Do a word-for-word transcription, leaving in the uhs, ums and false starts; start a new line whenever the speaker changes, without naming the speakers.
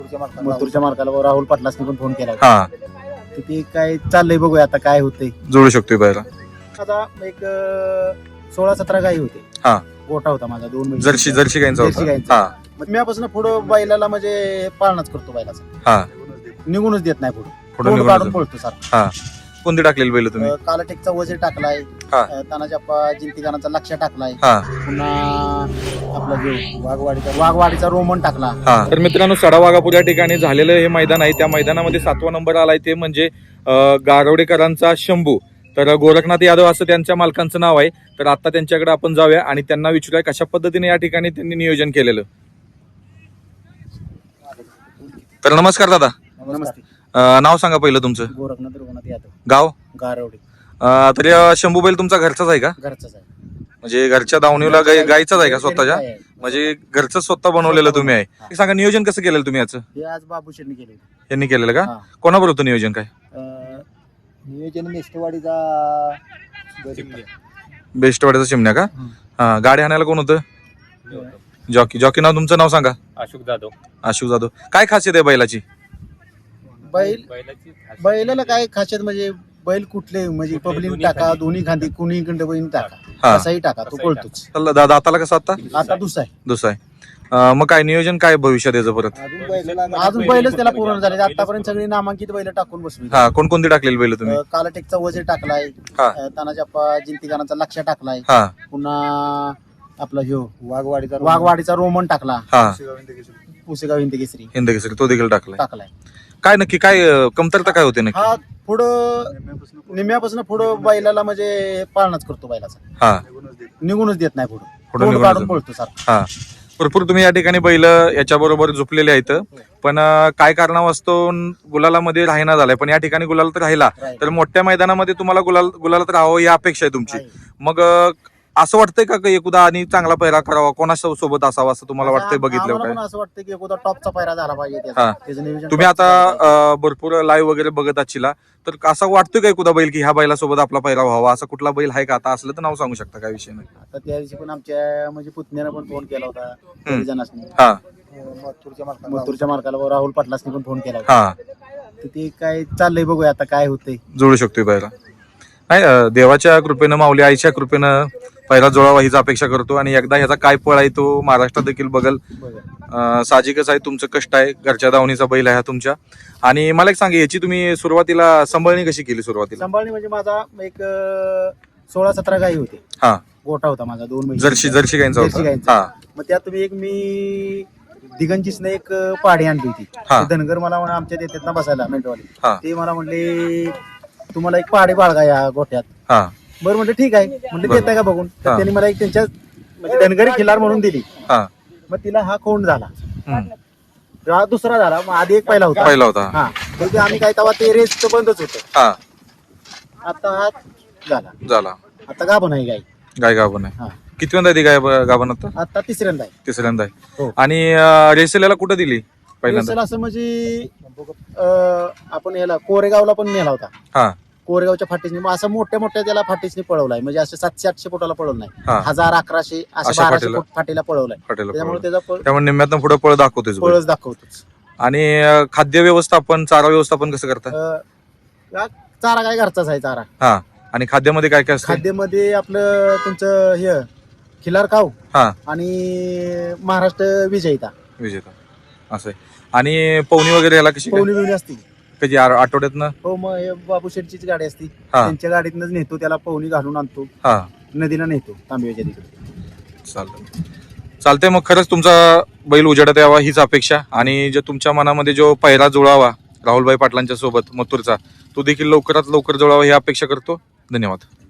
मथुरच्या मार्काला राहुल पाटलासनी पण फोन केला
हा
तर ते काय चाललंय बघूया आता काय होतंय.
जोडू शकतोय बैला.
आता एक अं, सोळा सतरा गाई होते.
हा.
गोठा होता माझा दोन महिने.
जर्सी जर्सी गायचा
जर्सी
होता.
गाईंचा.
हा
मग म्यापासून पुढं बैलाला म्हणजे पाळणाच करतो बैलाचा.
हा
निघूनच देत नाही पुढे
पुढे
तोंड
निघून
काढून
जातो.
पळतो सारखं.
हा कोणती टाकलेली बैल तुम्ही?
अं, कालाटेकचा वजे टाकलाय.
हा.
अं, तानाच्या जिंतीगानाचा लक्ष टाकलाय.
हा
पुन्हा आपला जो वाघवाडीचा वाघवाडीचा रोमन टाकला.
हा तर मित्रांनो, सडावाघापूर या ठिकाणी झालेलं हे मैदान आहे. त्या मैदानामध्ये सातवा नंबर आलाय ते म्हणजे अं, गारवडेकरांचा शंभू. तर गोरखनाथ यादव असं त्यांच्या मालकांचं नाव आहे. तर आता त्यांच्याकडे आपण जाऊया आणि त्यांना विचारूया कशा पद्धतीने या ठिकाणी त्यांनी नियोजन केलेलं. तर नमस्कार दादा.
नमस्ते.
अं, नाव सांगा पहिलं तुमचं.
गोरखनाथ रघुनाथ यादव
गाव.
गारवडी
अं, तर या शंभू बैल तुमचा घरचाच आहे का?
घरचाच आहे.
म्हणजे घरच्या दावणीला गाय गायचाच आहे का स्वतःच्या?
आहे.
म्हणजे घरचं स्वतः बनवलेलं तुम्ही आहे.
हा.
हे सांगा नियोजन कसं केलेलं तुम्ही याचं?
हे आज बाबू शेट्टी केले.
यांनी केलेलं का?
हा.
कोणाबरोबर होतं नियोजन काय?
अं, नियोजन नेस्टवाडीचा
बेस्टवाड्याचा चिमण्या का?
हम्म.
हा गाडी आणायला कोण होतं? जॉकी. जॉकी नाव तुमचं नाव सांगा.
अशोक जाधव.
आशू जाधव. काय खासियत आहे बैलाची?
बैल
बैलाची खासियत
बैलाला काय खासियत म्हणजे बैल कुठले म्हणजे
कुठले
पब्लिक
दोन्ही
टाका
खांदी.
दोन्ही खांदी कुणी खंड बैल टाका
हा.
कसाही टाका तो
कसाही
पळतोच.
चला, दा- दाताला कसं आता?
आता दुसरा आहे.
दुसरा आहे. अं, मग काय नियोजन काय भविष्यात याचं परत?
अजून बैलाला अजून बैलच त्याला पूर्ण झाले. आतापर्यंत सगळी नामांकित बैल टाकून बसली.
हा कोणकोणती टाकलेली बैल तुम्ही?
अं, कालाटेकचा वजे टाकलाय.
हा.
अं, तानाच्या जिंतीगानाचा लक्ष टाकलाय.
हा
पुन्हा आपला ह्यो वाघवाडीचा वाघवाडीचा रोमन टाकला.
हा
पुसेगाव हिंदकेसरी
हिंदकेसरी तो देखील टाकलाय.
टाकलाय.
काय नक्की काय अं, कमतरता काय होते नक्की?
हा पुढं निम्यापासून पुढं बैलाला म्हणजे पाळणाच करतो बैलाचा.
हा
निघूनच देत नाही पुढे
पुढं
तोंड
निघून
काढून
जातो.
पळतो सारखं.
हा भरपूर तुम्ही या ठिकाणी बैल याच्या बरोबर झोपलेले आहेत. पण अं, काय कारणावास्तव गुलालामध्ये राहिना झालाय. पण या ठिकाणी गुलाल तर राहिला. तर मोठ्या मैदानामध्ये तुम्हाला गुलाल गुलालात राहावं ही अपेक्षा आहे तुमची.
आहे.
मग अं, असं वाटतंय का की एकदा आणि चांगला पैरा करावा, कोणाच्या सोबत असावा असं तुम्हाला वाटतंय बघितलं
आम्हाला
काय?
पण असं वाटतं की एखादा टॉपचा पायरा झाला पाहिजे
हा.
त्याचा. त्याचं नियोजन
तुम्ही
टॉपचं
आता
झालं पाहिजे.
अं, भरपूर लाईव्ह वगैरे बघत असशीला, तर असं वाटतोय का एखादा बैल की ह्या बैलासोबत आपला पैरा व्हावा, असा कुठला बैल आहे का? आता असलं तर नाव सांगू शकता, काय विषय नाही.
आता त्या दिवशी पण आमच्या म्हणजे पुतण्यानं पण फोन केला होता काही जणांनी.
हा
मथुरच्या मार्काला मथुरच्या मार्काला राहुल पाटलासनी पण फोन केला होता.
हा
तर ते काय चाललंय बघूया आता काय होतंय.
जोडू शकतोय बैला. नाही अं, देवाच्या कृपेनं, माऊली आईच्या कृपेनं पहिला जोडावा हीच अपेक्षा करतो. आणि एकदा ह्याचा काय पळ आहे तो महाराष्ट्रात देखील बघल.
बघा.
अं, साहजिकच आहे, तुमचं कष्ट आहे, घरच्या दावणीचा बैल आहे हा तुमच्या. आणि मला एक सांगा, याची तुम्ही सुरुवातीला सांभाळणी कशी केली सुरुवातीला?
सांभाळणी म्हणजे माझा एक अं, सोळा सतरा गाई होते.
हा
गोठा होता माझा दोन महिने.
जर्सी जर्सी गायचा
जर्सी
होता.
गाईंचा.
हा
मग त्यात तुम्ही एक मी दिगंजीसने एक पाडी आणली होती.
हा.
ते धनगर मला म्हणा आमच्या देतात ना बसायला मेंटवाली.
हा.
ते मला म्हणले तुम्हाला एक पहाडी बाळगा या गोठ्यात.
हा
बरं म्हणलं ठीक आहे म्हणलं
बरं.
देताय का बघून. तर
हा.
त्यांनी मला एक त्यांच्या म्हणजे धनगरी खिलार म्हणून दिली.
हा
मग तिला हा कोंड झाला.
हम्म.
हा दुसरा झाला. मग आधी एक पहिला होता.
पहिला होता.
हा तर ते आम्ही काय तेव्हा ते रेस बंदच होतं.
हा
आता हा झाला.
झाला.
आता गाभण आहे गाय.
गाय गाभण आहे.
हा
कितव्यांदा आहे ती गाय गाभण आता?
आता तिसऱ्यांदा आहे.
तिसऱ्यांदा आहे.
हो.
आणि अं, रेसेल्याला कुठं दिली पहिल्यांदा?
रेसल असं म्हणजे अं, आपण याला कोरेगावला पण नेला होता.
हा
कोरेगावच्या फाटीसनी मग असं मोठ्या मोठ्या त्याला फाटीसनी पळवलाय. म्हणजे असं सातशे आठशे फुटाला पळवलं नाही.
हा.
हजार अकराशे असं
अशा
बाराशे
फाटीला?
फूट फाटीला पळवलाय.
हॉटेलला
त्यामुळे
पळवलं.
त्याचा पळ-
त्यामुळे निम्म्यातनं पुढे पळ दाखवतोय बैल.
पळच दाखवतोच.
आणि अं, खाद्य व्यवस्थापन, चारा व्यवस्थापन कसं करता?
अं, हा चारा काय घरचाच आहे चारा.
हा आणि खाद्यामध्ये काय काय असतं?
खाद्यामध्ये आपलं तुमचं हे खिलार काव
हा
आणि महाराष्ट्र विजयिता
विजेता असं आहे. आणि पवनी वगैरे याला कशी काय?
पवनी बिवणी असते.
कधी आ- आठवड्यातनं?
हो मग हे बाबू शेठचीच गाडी असती.
हा.
त्यांच्या गाडीतनच नेतो त्याला पवनी घालून आणतो.
हा
नदीला नेतो तांबव्याच्या तिकडे.
चालतंय चालतंय मग खरंच तुमचा बैल उजेडात यावा हीच अपेक्षा. आणि जे तुमच्या मनामध्ये जो पहिरा जुळावा राहुलभाई पाटलांच्या सोबत मथुरचा, तो देखील लवकरात लवकर जुळावा ही अपेक्षा करतो. धन्यवाद.